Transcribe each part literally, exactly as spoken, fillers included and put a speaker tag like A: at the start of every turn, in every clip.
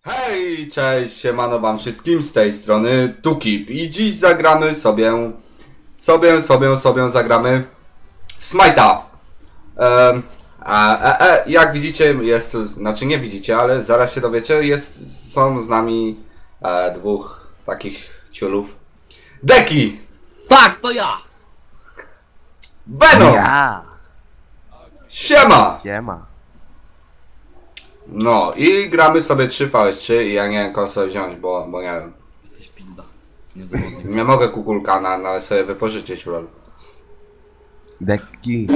A: Hej, cześć, siemano wam wszystkim, z tej strony Tukip i dziś zagramy sobie, sobie, sobie, sobie zagramy Smite'a. Ehm, a, a, a jak widzicie, jest tu, znaczy nie widzicie, ale zaraz się dowiecie, jest, są z nami e, dwóch takich ciulów. Deki!
B: Tak, to ja!
A: Venom!
C: Ja!
A: Siema!
C: Siema.
A: No i gramy sobie trzy V S trzy i ja nie wiem kogo sobie wziąć, bo, bo nie wiem.
B: Jesteś pizda. Niezawodnik.
A: Nie mogę kukulka na, na sobie wypożyczyć, lol.
C: Deki.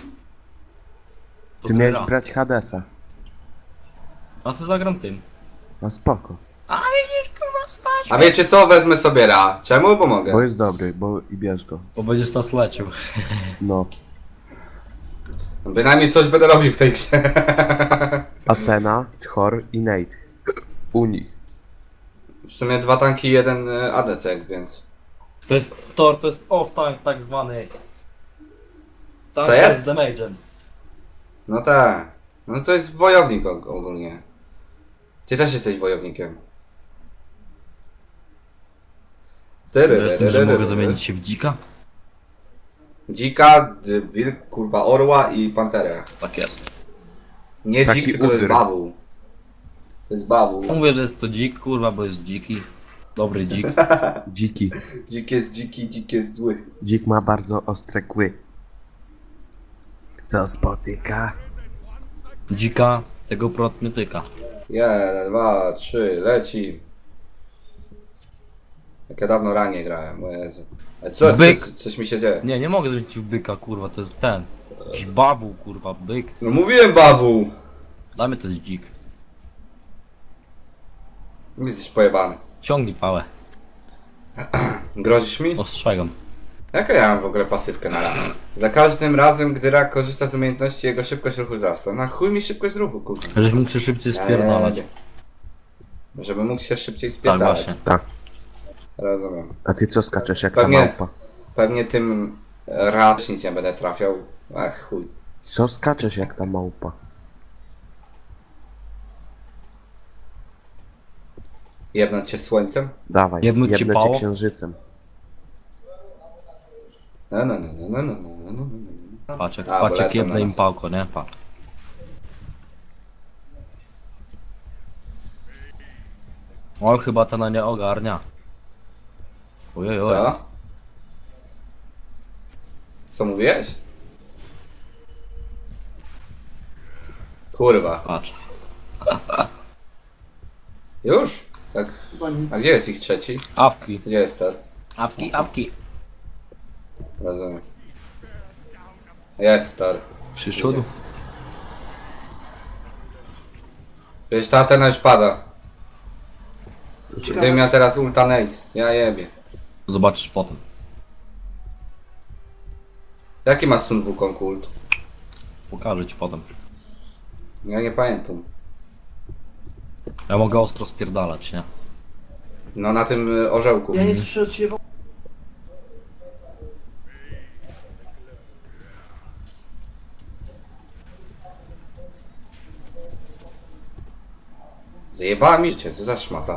B: To
C: Ty miałeś
B: gra.
C: brać Hadesa.
B: A co zagram tym?
C: No spoko.
B: A widzisz, kurwa, stać!
A: A wiecie co? Wezmę sobie Ra. Czemu? Bo mogę.
C: Bo jest dobry, bo i bierz go.
B: Bo będziesz nas lecił.
C: No.
A: Bynajmniej coś będę robił w tej grze.
C: Athena, Thor i Nate. U nich.
A: W sumie dwa tanki i jeden y, A D C, więc...
B: To jest Thor, to jest off-tank tak zwany. Tank
A: Co jest?
B: z damage'em.
A: No tak. No to jest wojownik og ogólnie. Ty też jesteś wojownikiem. Tyry,
B: Wiesz tym, że mogę zamienić się w dzika?
A: Dzika, d- wilk, kurwa, orła i panterę.
B: Tak jest.
A: Nie
C: Taki
A: dzik, tylko to jest
C: udr.
A: bawu. To jest bawu.
B: Mówię, że jest to dzik, kurwa, bo jest dziki. Dobry dzik.
C: Dziki.
A: Dzik jest dziki, dzik jest zły.
C: Dzik ma bardzo ostre kły. Kto spotyka?
B: Dzika, tego prot nie tyka.
A: Jeden, dwa, trzy, leci. Jak ja dawno ranie grałem, o Jezu. A co, co,
B: Byk.
A: co, coś mi się dzieje?
B: Nie, nie mogę zmienić w byka, kurwa, to jest ten. Jakiś bawu, kurwa, byk.
A: No mówiłem bawu!
B: Dajmy to jest dzik.
A: Jesteś pojebany.
B: Ciągnij pałę.
A: Grozisz mi?
B: Ostrzegam.
A: Jaka ja mam w ogóle pasywkę na ramię? Za każdym razem, gdy rak korzysta z umiejętności, jego szybkość ruchu wzrasta. Na chuj mi szybkość ruchu, kurwa.
B: Żeś mógł się szybciej spierdalać.
A: Eee, Żeby mógł się szybciej
B: Tak,
A: spierdalać.
B: właśnie.
C: Tak.
A: Rozumiem.
C: A ty co skaczesz jak
A: Pewnie-
C: ta małpa?
A: Pewnie tym raz nic nie będę trafiał. Ach chuj.
C: Co skaczesz jak ta małpa?
A: Jebnąć cię słońcem?
C: Dawaj,
B: Jebnąć ci
C: jebnę cię
B: pało?
C: księżycem.
A: No, no, no, no, no, no, no, no, no.
B: Patrz jak,
A: A, bo
B: patrz jak
A: lecą
B: jedne
A: na
B: im
A: nas.
B: pałko, nie? Patrz. O, chyba ta na nie ogarnia. Ojej, oj.
A: Co? Co mówiłeś? Kurwa.
B: Patrz.
A: Już? Tak. A gdzie jest ich trzeci?
B: Awki.
A: Gdzie jest ten?
B: Awki, awki.
A: Rozumiem. Jest star.
B: Przyszedł.
A: Wiesz, ta Atena już pada. Gdybym miał teraz ultanate, ja jebie.
B: Zobaczysz potem.
A: Jaki ma Sun Wukong ult?
B: Pokażę ci potem.
A: Ja nie pamiętam.
B: Ja mogę ostro spierdalać, nie?
A: No na tym y, orzełku.
D: Ja nie słyszę od ciebie.
A: Zajebała mi życie, co za szmata.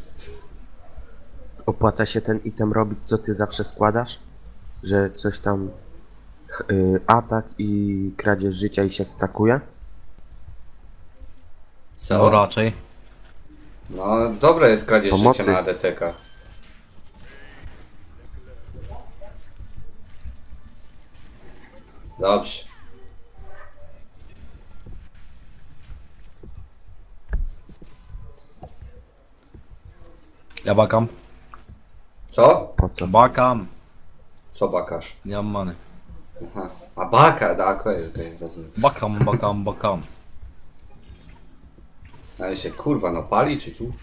C: Opłaca się ten item robić, co ty zawsze składasz? Że coś tam... ch- y, atak i kradzież życia i się stakuje?
A: Co?
B: No raczej.
A: No dobre jest kradzież
C: Pomocy.
A: życia na A D C ka. Dobrze.
B: Ja bakam.
A: Co?
C: Po co?
B: Bakam.
A: Co bakasz?
B: Nie mam many.
A: Aha. A baka, tak, okej, okej, rozumiem.
B: Bakam, bakam, bakam.
A: Ale się kurwa no pali czy tu?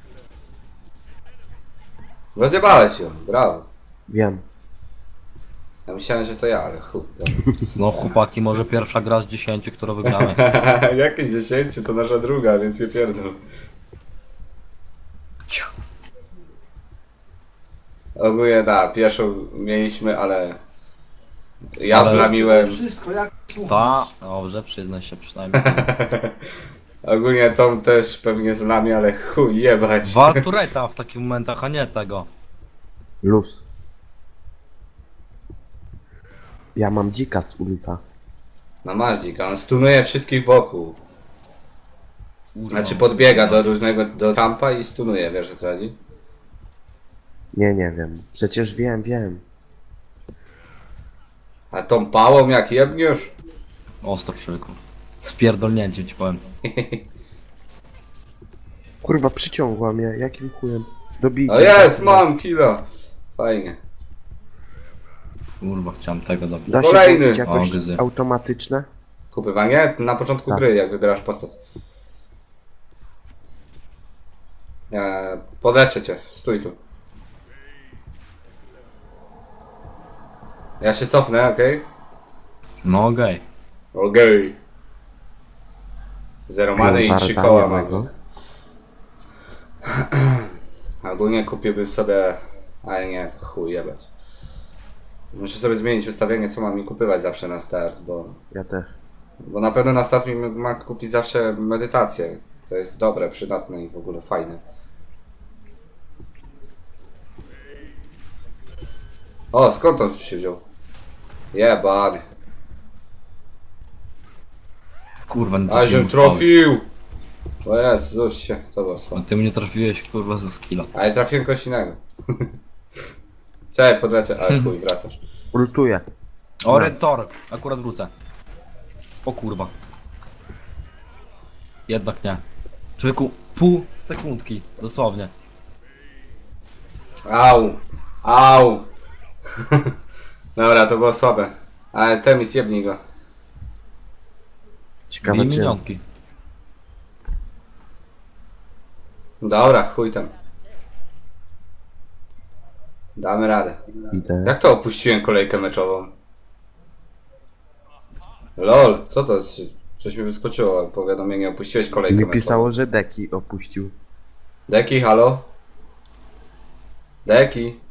A: Rozjebałeś ją, brawo.
C: Wiem.
A: Ja myślałem, że to ja, ale chuj. dobra.
B: No chłopaki, może pierwsza gra z dziesięciu, którą wygramy.
A: Jakieś dziesięciu to nasza druga, więc je pierdol.
B: Ciu.
A: Ogólnie da, pierwszą mieliśmy, ale ja
B: Ale-
A: zlamiłem.
D: Wszystko, jak
B: Ta, dobrze, przyznaj się przynajmniej.
A: Ogólnie Tom też pewnie z nami, ale chuj jebać.
B: Wal tureta w takich momentach, a nie tego.
C: Luz. Ja mam dzika z ulta.
A: No masz dzika, on stunuje wszystkich wokół.
B: Kurwa.
A: Znaczy podbiega do różnego, do kampa i stunuje, wiesz o co chodzi?
C: Nie, nie wiem. Przecież wiem, wiem.
A: A tą pałą jak jebniesz?
B: Ostro przyku. Spierdolnięcie ci powiem.
C: Kurwa, przyciągła mnie. Jakim chujem? Dobijcie.
A: O jest, mam kilo. Fajnie.
B: Kurwa, chciałem tego dobić.
C: Da się
A: Kolejny.
C: włączyć jakoś
B: O, gryzy.
C: automatyczne?
A: Kupywanie? Na początku
C: Tak.
A: gry, jak wybierasz postać. Eee, podleczę cię, stój tu. Ja się cofnę, okej?
B: No okej.
A: Okej. Zero many i
C: Warta,
A: trzy koła
C: nie
A: mam.
C: tego.
A: Ogólnie kupiłbym sobie... Ale nie, to chuj jebać. Muszę sobie zmienić ustawienie, co mam mi kupywać zawsze na start, bo...
C: Ja też.
A: Bo na pewno na start mi ma kupić zawsze medytację. To jest dobre, przydatne i w ogóle fajne. O, skąd on się wziął? Jebany.
B: Kurwa, nie
A: A się
B: trafiłem w pały.
A: trafił! O Jezus się, to było słabe.
B: A ty mnie trafiłeś kurwa ze skilla.
A: Ale trafiłem kogoś innego. Czekaj, podleczę, ale chuj, wracasz.
C: Ultuję.
B: O, Red Tor. Akurat wrócę. O kurwa. Jednak nie. Człowieku, pół sekundki. Dosłownie.
A: Au! Au! Dobra, to było słabe. Ale Temis, jebnij go.
C: Ciekawe
B: Bij
C: czy...
B: minionki.
A: Dobra, chuj tam. Damy radę.
C: Idę.
A: Jak to opuściłem kolejkę meczową? Lol, co to jest? Coś mi wyskoczyło, powiadomienie, opuściłeś kolejkę
C: Mi
A: meczową.
C: pisało, że deki opuścił.
A: Deki, halo? Deki?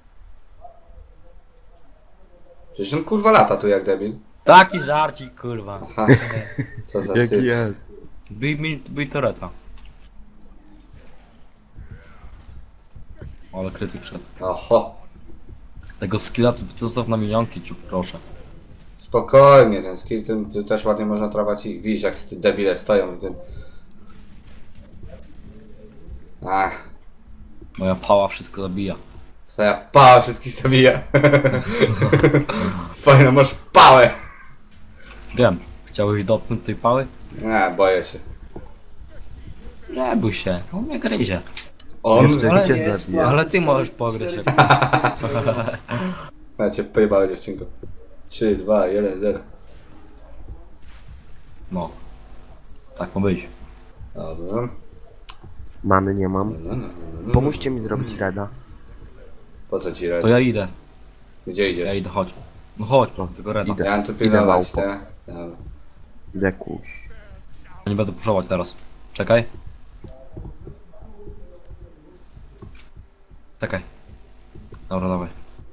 A: Przecież on kurwa lata tu jak debil.
B: Taki żarcik kurwa.
A: Ha, co za
C: Jaki
A: typ.
C: jest?
B: Bij mi, bij toreta. Ale krytyk wszedł.
A: Oho,
B: Tego skilla to zostaw na minionki, ciu, proszę.
A: spokojnie, ten skill, tym, tym też ładnie można trawać i widzisz jak te debile stoją w tym. Ach,
B: Moja pała wszystko zabija.
A: twoja pała wszystkich zabija. Fajno, masz pałę.
B: Wiem. Chciałeś dotknąć tej pały?
A: Nie, boję się.
B: Nie bój się, on mnie gryzie.
A: On?
C: Jeszcze
B: ale
C: cię
B: jest-
C: zabija.
B: Ale ty możesz pogryźć jak chcesz.
A: Ja cię pojebałem, dziewczynko. trzy, dwa, jeden, zero.
B: No. Tak ma być.
A: Dobra.
C: Many nie mam.
A: No, no, no, no.
C: Pomóżcie mi zrobić reda.
A: Po co ci
B: To
A: radzi?
B: ja idę.
A: Gdzie idziesz?
B: Ja idę, chodź. No chodź, tylko reda.
C: Idę.
A: Ja mam tu
C: Idę
A: pilnować,
C: małpo.
A: te. Dobra.
C: Dekuś.
B: Nie będę puszować teraz. Czekaj. Czekaj. Dobra, dawaj.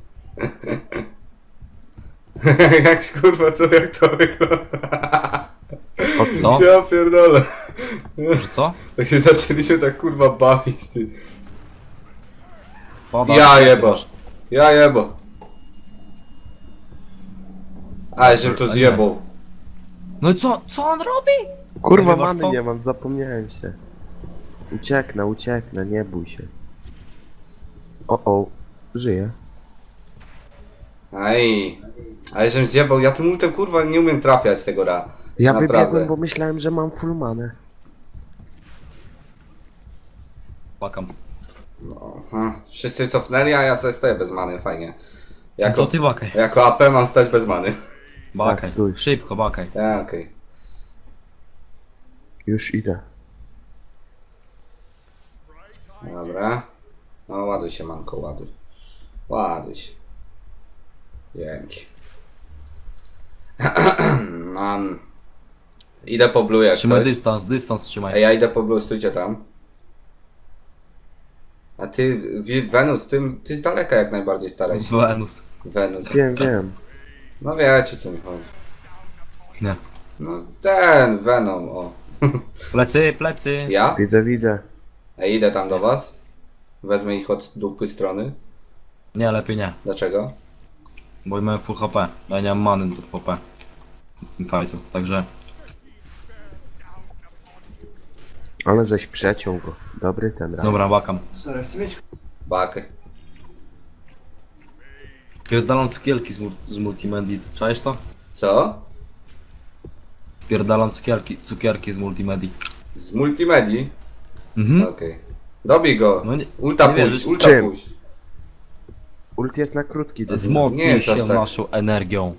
A: Jak kurwa, co, jak to wygląda?
C: O
B: Co?
A: Ja pierdolę.
B: Że co?
A: Jak się zaczęliśmy tak kurwa bawić, ty.
B: Pada,
A: Ja
B: plecy
A: jebo.
B: masz.
A: Ja jebo. Ale żem to zjebał.
B: No i co? Co on robi?
C: Kurwa,
B: Nagrywasz
C: many
B: to?
C: nie mam, zapomniałem się. Ucieknę, ucieknę, nie bój się. O, o, żyję.
A: Aj. Ale żem zjebał, ja tym ultem kurwa nie umiem trafiać tego ra.
C: Ja
A: Naprawdę.
C: wybiegłem, bo myślałem, że mam full manę.
B: Pakam.
A: No, ha. Wszyscy cofnęli, a ja sobie stoję bez many, fajnie.
B: No
A: Jako,
B: to ty bakaj.
A: jako A P mam stać bez many.
B: Bakaj.
C: Tak, stój.
B: Szybko, bakaj.
A: Ja, okej.
C: Już idę.
A: Dobra. No ładuj się manko, ładuj. Ładuj się. Dzięki. Mam. Idę po blue jak
B: Trzymaj
A: coś.
B: dystans, dystans trzymaj.
A: Ej, ja idę po blue, stójcie tam. A ty, Wi- Wenus, ty, ty z daleka jak najbardziej staraj się.
B: Wenus.
A: Wenus.
C: Wiem, wiem.
A: No wiecie co mi chodzi.
B: Nie.
A: No ten Venom, o.
B: Plecy, plecy.
A: Ja?
C: Widzę, widzę.
A: Ej, idę tam do was. Wezmę ich od dupy strony.
B: Nie, lepiej nie.
A: Dlaczego?
B: Bo mamy full H P. Ja nie mam many do H P. W tym fightu, także...
C: Ale żeś przeciął go. Dobry ten raz.
B: Dobra, bakam.
D: Sorry, chcę mieć
A: Bakę.
B: Pierdalam cukierki z, mul z multimedii. Czaisz to?
A: Co?
B: Pierdalam cukierki, cukierki z multimedii.
A: Z multimedii?
B: Mhm.
A: Okej. Dobij go.
B: No nie-
A: Ulta
B: nie
A: puść,
B: wierzysz?
A: ulta
C: Czym?
A: puść.
C: Ult jest na krótki dystans.
A: Nie
B: Wzmocnij
A: jest
B: się
A: aż tak.
B: naszą energią.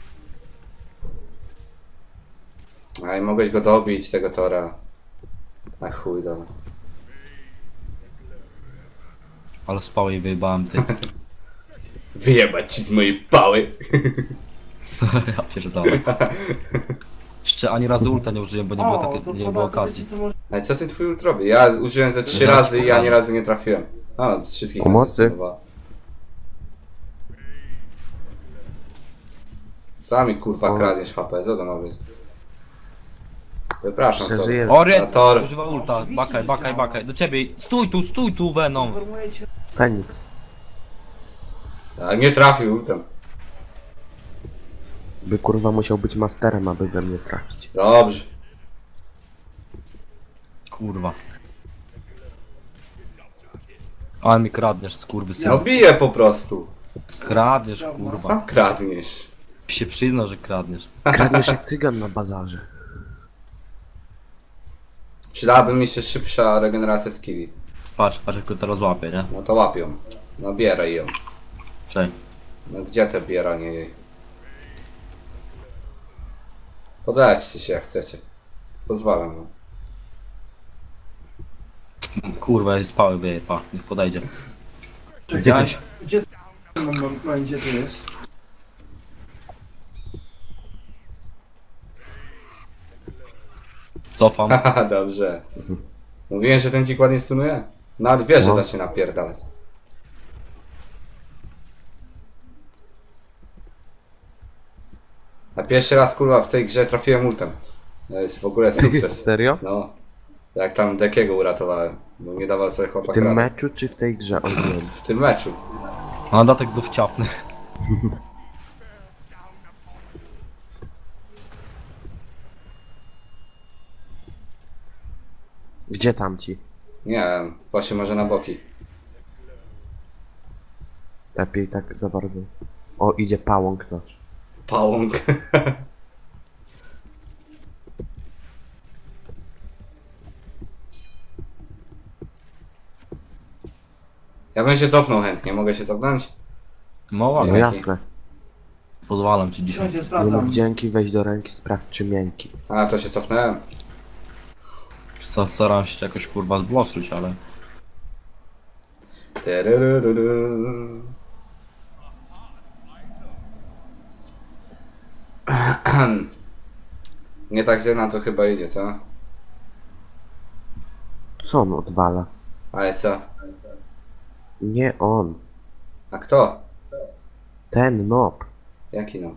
A: Aj, mogłeś go dobić, tego Tora. A chuj, dobra.
B: Ale spał i wyjebałem ty.
A: Wyjebać ci z mojej pały.
B: Ja pierdolę. Jeszcze ani razu ulta nie użyłem, bo nie było,
D: O,
B: takie,
D: to
B: nie
D: poda-
B: było
D: to
B: okazji.
D: wiecie, co może-
A: Ale co ten twój ult robi? Ja użyłem ze trzy
B: Zaraz
A: razy
B: ci
A: i ani
B: pokażę.
A: razu nie trafiłem. A, z wszystkich
C: Pomocy.
A: nazyskowała. Sami kurwa
C: O.
A: kradniesz H P, co to ma być? Wypraszam sobie.
C: Przeżyję.
B: O, Red!
A: A Tor.
B: Używa ulta. Bakaj, bakaj, bakaj. Do ciebie. Stój tu, stój tu, Venom.
D: Informuję cię.
C: Feniks.
A: A nie trafił ultem.
C: By kurwa musiał być masterem, aby we mnie trafić.
A: Dobrze.
B: Kurwa. Ale mi kradniesz, skurwysyn.
A: No bije po prostu.
B: Kradniesz, kurwa.
A: Sam kradniesz.
B: Się przyznał, że kradniesz.
C: Kradniesz jak cygan na bazarze.
A: Przydałaby mi się szybsza regeneracja skilli.
B: Patrz, patrz jak to teraz łapie, nie?
A: No to łapią. No bieraj ją.
B: Cześć.
A: No gdzie te bieranie jej? Podejdźcie się jak chcecie. Pozwalam wam.
B: Kurwa, jest spały wieje, pa. Niech podejdzie. Widziałeś?
D: Gdzie mam, mam, mam, gdzie to jest?
B: Cofam.
A: Haha, dobrze. Mówiłem, że ten dzik ładnie stunuje? Nawet wiesz, że
C: No.
A: zacznie napierdalać. A pierwszy raz kurwa w tej grze trafiłem ultem. To jest w ogóle sukces.
C: Serio?
A: No. Jak tam Dekiego uratowałem. Bo nie dawał sobie
C: W
A: chłopak
C: tym
A: rady.
C: meczu czy w tej grze ogólnie?
A: W tym meczu.
B: A datek dowciapny.
C: Gdzie tamci?
A: Nie wiem, właśnie może na boki.
C: Lepiej tak za bardzo. O, idzie pałąk nasz.
A: Pałąk. Ja bym się cofnął chętnie, mogę się cofnąć?
B: No
C: No
B: ładnie.
C: jasne.
B: Pozwalam ci dzisiaj.
D: Słuchajcie,
C: Nie mów
D: sprawdzam.
C: dzięki, weź do ręki, sprawdź czy miękki.
A: A, to się cofnąłem.
B: Sta- Staram się jakoś kurwa zbloszyć, ale...
A: Tyryryryrry. Nie tak źle nam to chyba idzie, co?
C: Co on odwala?
A: Ale co?
C: Nie on.
A: A kto?
C: Ten nob.
A: Jaki no?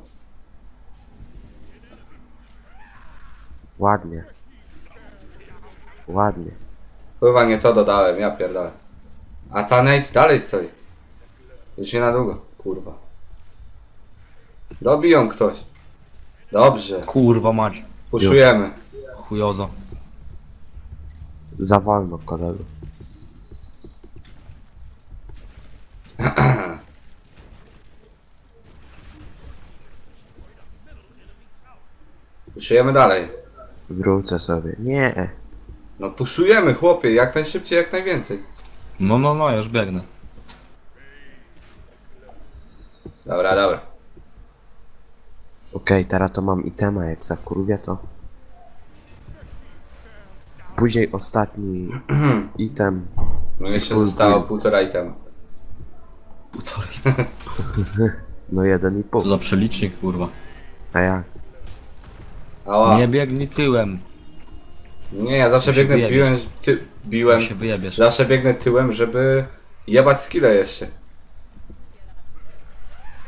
C: Ładnie. Ładnie.
A: Kurwa, nie to dodałem, ja pierdolę. A ta Nate dalej stoi. Już nie na długo, kurwa. Dobiją ktoś. Dobrze,
B: Kurwa mać.
A: puszujemy.
B: Chujozo.
C: Za wolno, kolego.
A: Puszujemy dalej.
C: Wrócę sobie. Nie.
A: No puszujemy, chłopie, jak najszybciej, jak najwięcej.
B: No, no, no, ja już biegnę.
A: Dobra, dobra.
C: Okej, teraz to mam itema, jak zakurwię to. Później ostatni item.
A: No jeszcze
C: Full
A: zostało
C: build.
A: półtora itema.
B: Półtorej.
C: No jeden i pół.
B: To za przelicznik, kurwa.
C: A jak?
A: Ała.
B: Nie
A: Nie,
B: biegnij tyłem.
A: ja zawsze
B: To się
A: biegnę,
B: wyjebiesz.
A: biłem, ty, biłem.
B: To się wyjebiesz.
A: Zawsze biegnę tyłem, żeby jebać skille jeszcze.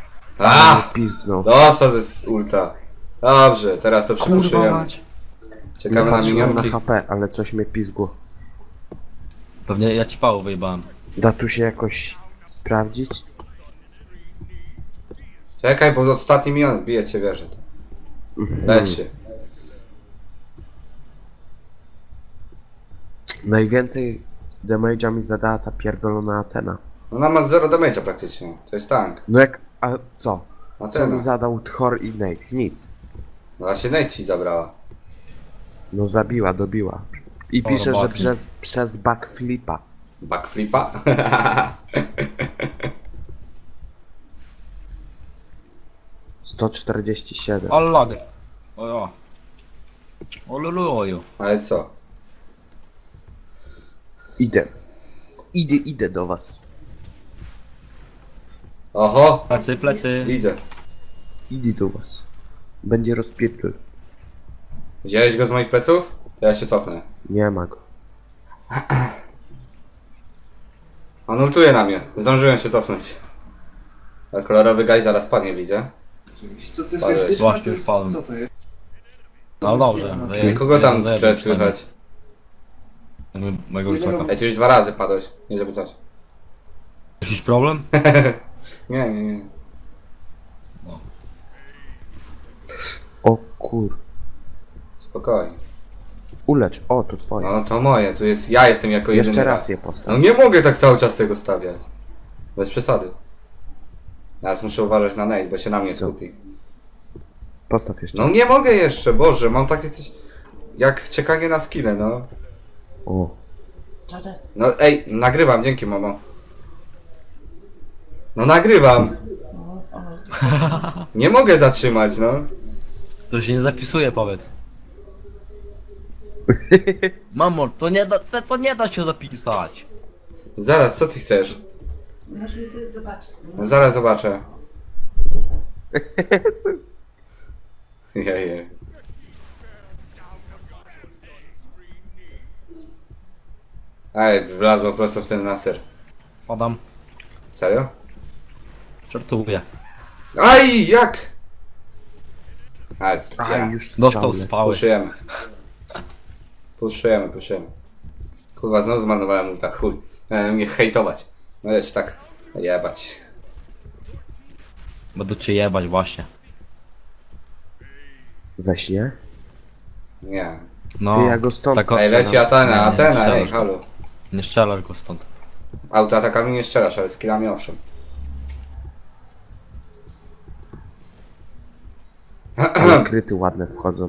A: A!
C: Pizdnął.
A: Dostał ze ulta. Dobrze, teraz to
B: Kurwa
A: przypuszczujemy.
B: mać.
A: Czekamy
C: Nie
A: na
C: patrzyłem na
A: minionki.
C: H P, ale coś mnie pizgło.
B: Pewnie ja ci pało wyjebałem.
C: Da tu się jakoś sprawdzić?
A: Czekaj, bo ostatni minion bije cię wierzę. Leć się.
C: Najwięcej damage'a mi zadała ta pierdolona Atena.
A: Ona ma zero damage'a praktycznie. To jest tank.
C: No jak, a co? Co
A: Atena.
C: mi zadał Thor i Nate? Nic.
A: No właśnie Nate ci zabrała.
C: No zabiła, dobiła. I
B: O,
C: pisze, że
B: robaki.
C: przez, przez backflipa.
A: Backflipa?
C: sto czterdzieści siedem.
B: Ale lagę. Ojo. Oluluju.
A: Ale co?
C: Idę. Idę, idę do was.
A: Oho!
B: Plecy, plecy.
A: Widzę.
C: Idę do was. Będzie rozpierdol.
A: Wziąłeś go z moich pleców? To ja się cofnę.
C: Nie ma go.
A: On ultuje na mnie. Zdążyłem się cofnąć. A kolorowy gaj zaraz padnie, widzę.
D: Co ty
A: Ale
D: słyszysz?
B: właśnie już padłem.
D: Co to jest?
B: No dobrze.
A: I kogo tam teraz słychać?
B: Mojego wilczaka.
A: Ej, tu już dwa razy padłeś. Nie żeby coś.
B: Jakiś problem?
A: Nie, nie, nie.
C: O kur...
A: Spokojnie.
C: Ulecz. O, to twoje.
A: No to moje, tu jest... Ja jestem jako jedyny.
C: Jeszcze raz
A: raz.
C: je
A: No
C: postaw.
A: nie mogę tak cały czas tego stawiać. Bez przesady. Teraz muszę uważać na Nate, bo się na mnie skupi.
C: Postaw jeszcze.
A: No nie mogę jeszcze, Boże, mam takie coś... Jak czekanie na skille, no.
C: O.
A: No ej, nagrywam, dzięki mamo. No nagrywam. Nie mogę zatrzymać, no.
B: To się nie zapisuje, powiedz. Mamo, to nie da, to- to nie da się zapisać.
A: Zaraz, co ty chcesz?
E: Masz mi coś zobaczyć.
A: No zaraz zobaczę. Jeje. Ej, wlazło prosto w ten laser.
B: Padam.
A: Serio?
B: Żartuję.
A: Aj, jak? A,
C: A,
A: ja.
C: już
B: Dostał
C: strzały.
B: spały.
A: Puszujemy. Puszujemy, puszujemy. Kurwa, znowu zmarnowałem ulta, chuj. E, mnie hejtować. No leć tak. Jebać.
B: Będę cię jebać właśnie.
C: We śnie?
A: Nie.
B: No.
C: Ty, ja go stąd
B: tak o-
A: Ej, leci Atena,
B: Nie, nie,
A: Atena,
B: strzelasz.
A: ej, halo.
B: Nie strzelasz go stąd.
A: Autoatakami nie strzelasz, ale skillami owszem.
C: Ale kryty ładne wchodzą.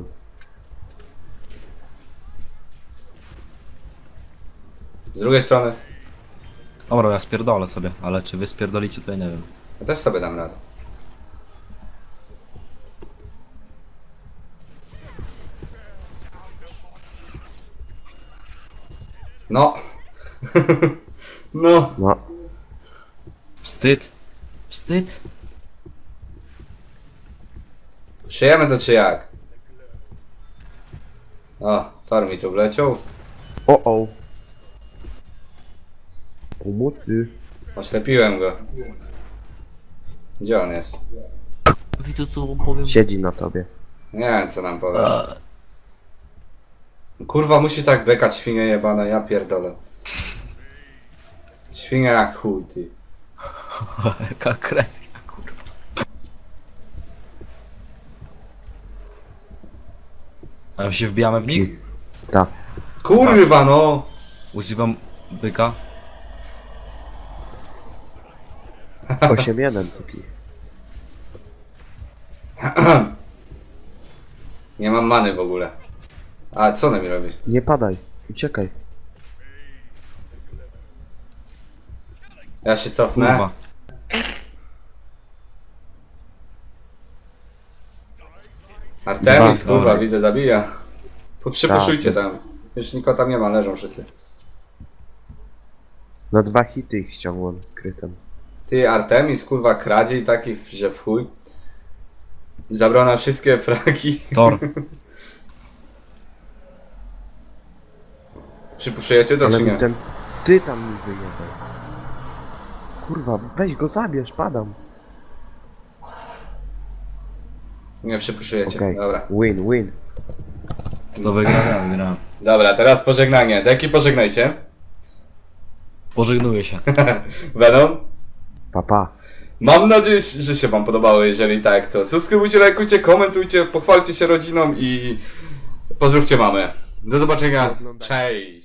A: Z drugiej strony,
B: Dobra, ja spierdolę sobie, ale czy wy spierdolicie, to ja nie wiem.
A: ja też sobie dam radę. No. No.
C: No.
B: Wstyd. Wstyd.
A: Przyjemy to czy jak? O, Thor mi tu wleciał.
C: O, o. Pomocy.
A: Oślepiłem go. Gdzie on jest?
B: Wiecie co wam powiem?
C: Siedzi na tobie.
A: Nie wiem co nam powie. Kurwa, musi tak bekać świnie jebane, ja pierdolę. Świnia jak chuj, ty.
B: Jaka kresja, kurwa. A my się wbijamy w nich?
C: Tak.
A: Kurwa no!
B: Używam byka.
C: osiem jeden póki.
A: Nie mam many w ogóle. A co ona mi robi?
C: Nie padaj. Uciekaj.
A: Ja się cofnę.
B: Kurwa.
A: Artemis,
C: Dwa,
A: kurwa,
B: dobra.
A: widzę, zabija. Po- Przypuszujcie
C: Tak.
A: tam. Już nikogo tam nie ma, leżą wszyscy.
C: Na dwa hity ich ściągłem skrytem.
A: Ty, Artemis, kurwa, kradzie i taki, że w chuj. Zabrał nam wszystkie fragi.
B: Tor.
A: Przypuszczujecie to,
C: Ale
A: czy nie?
C: mi ten... Ty tam mi wyjebaj. Kurwa, weź go zabierz, padam.
A: Nie przypuszczujecie,
C: Okej.
A: dobra.
C: Win, win.
B: Kto wygra, ja wygrałem.
A: Dobra, teraz pożegnanie. Deki, pożegnaj się.
B: Pożegnuję się.
A: Venom.
C: Papa.
A: Mam nadzieję, że się wam podobało. Jeżeli tak, to subskrybujcie, lajkujcie, komentujcie, pochwalcie się rodziną i pozdrówcie mamę. Do zobaczenia. Cześć.